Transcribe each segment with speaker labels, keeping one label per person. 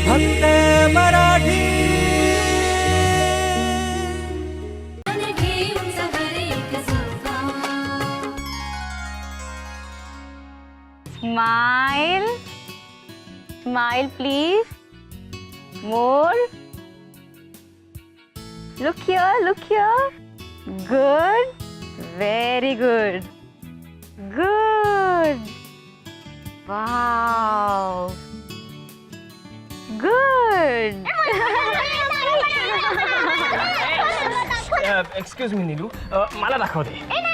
Speaker 1: फक्त Marathi.
Speaker 2: Smile. Smile, please. More. Look here, look here. Good. Very good. Good. Wow. Good.
Speaker 3: Excuse me Neelu, मला दाखवते.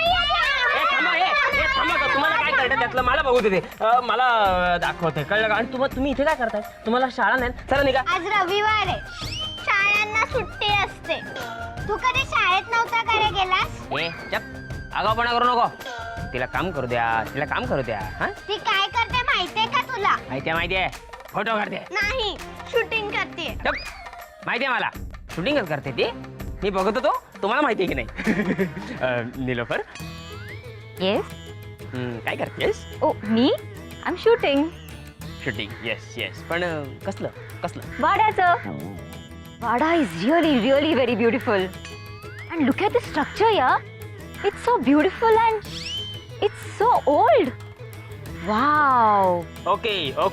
Speaker 3: तुम्हाला काय कळतं त्यातलं, मला बघू दे. मला दाखवते, कळलं का? आणि तुम्ही इथे काय करताय? तुम्हाला शाळा नाही? चला निघा.
Speaker 4: आज रविवार आहे, शाळांना सुट्टी असते. तू कधी शाळेत नव्हता का रे गेलास?
Speaker 3: चप, आगाऊपणा करू नको. तिला काम करू द्या, तिला काम करू द्या. हा,
Speaker 4: ती काय करते माहितीये का तुला?
Speaker 3: माहितीये. फोटो काढते.
Speaker 4: नाही, शूटिंग करते.
Speaker 3: चप, माहितीये मला. शूटिंगच करते ती. मी बघत होतो. तुम्हाला माहितीये की नाही? नीलोफर,
Speaker 2: Yes.
Speaker 3: काय करतेस?
Speaker 2: Oh, me? I'm shooting.
Speaker 3: Shooting. Yes. पण कसलं?
Speaker 2: Vada's. Vada is really very beautiful. And look at the structure, yeah. It's so beautiful and it's so old. Wow.
Speaker 3: Okay.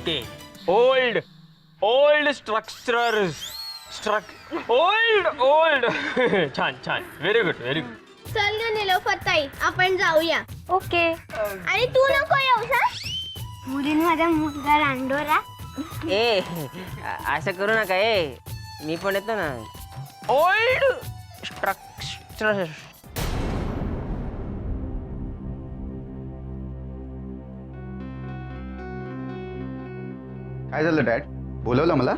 Speaker 3: Old structures. Old. छान. Very good.
Speaker 4: चल ग निलोफर ताई, आपण जाऊया.
Speaker 2: Okay.
Speaker 4: आणि तू नको येऊस हा. मुलीन माझा मुलगा रांडोरा.
Speaker 3: असं करू नका. मी पण येतो ना. Old structure.
Speaker 5: काय झालं डॅड? बोलवलं मला?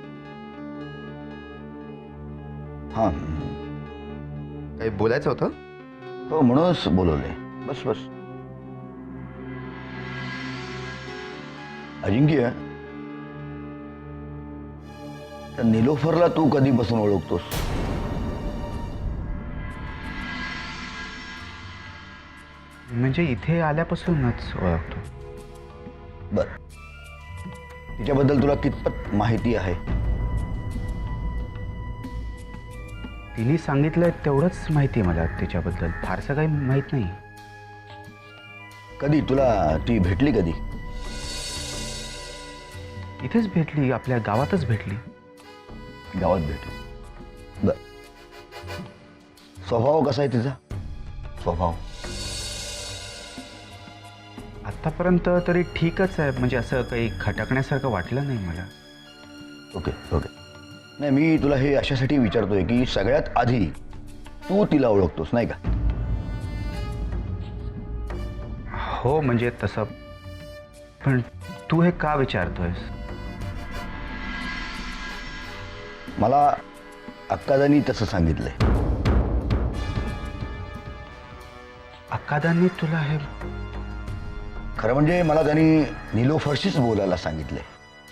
Speaker 5: हां, काही बोलायचं होतं?
Speaker 6: हो, म्हणूनच बोलवले. बस. अजिंक्य, त्या निलोफरला तू कधीपासून ओळखतोस?
Speaker 5: म्हणजे इथे आल्यापासूनच ओळखतो.
Speaker 6: बर, तिच्याबद्दल तुला कितपत माहिती आहे?
Speaker 5: तिने सांगितलं तेवढंच माहिती आहे मला तिच्याबद्दल. फारसं काही माहीत नाही.
Speaker 6: कधी तुला ती भेटली? कधी?
Speaker 5: इथेच भेटली, आपल्या गावातच भेटली.
Speaker 6: गावात भेटली. बर, स्वभाव कसा आहे तिचा? स्वभाव
Speaker 5: आत्तापर्यंत तरी ठीकच आहे. म्हणजे असं काही खटकण्यासारखं वाटलं नाही मला.
Speaker 6: ओके. नाही, मी तुला हे अशासाठी विचारतोय की सगळ्यात आधी तू तिला ओळखतोस, नाही का?
Speaker 5: हो, म्हणजे तसं. पण तू हे का विचारतोयस?
Speaker 6: मला अक्कादानी तसं सांगितलंय.
Speaker 5: अक्कादांनी तुला हे?
Speaker 6: खरं म्हणजे मला त्यांनी निलोफरशीच बोलायला सांगितलंय.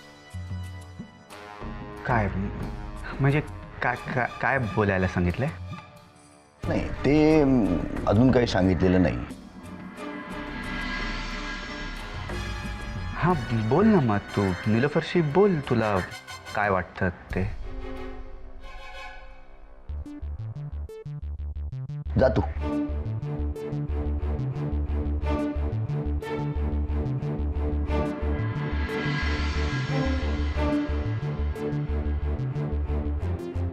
Speaker 5: काय म्हणजे काय बोलायला सांगितलंय?
Speaker 6: नाही, ते अजून काही सांगितलेलं नाही.
Speaker 5: हां, बोल ना मग. तू निलोफरशी बोल, तुला काय वाटतं ते.
Speaker 6: जा तू.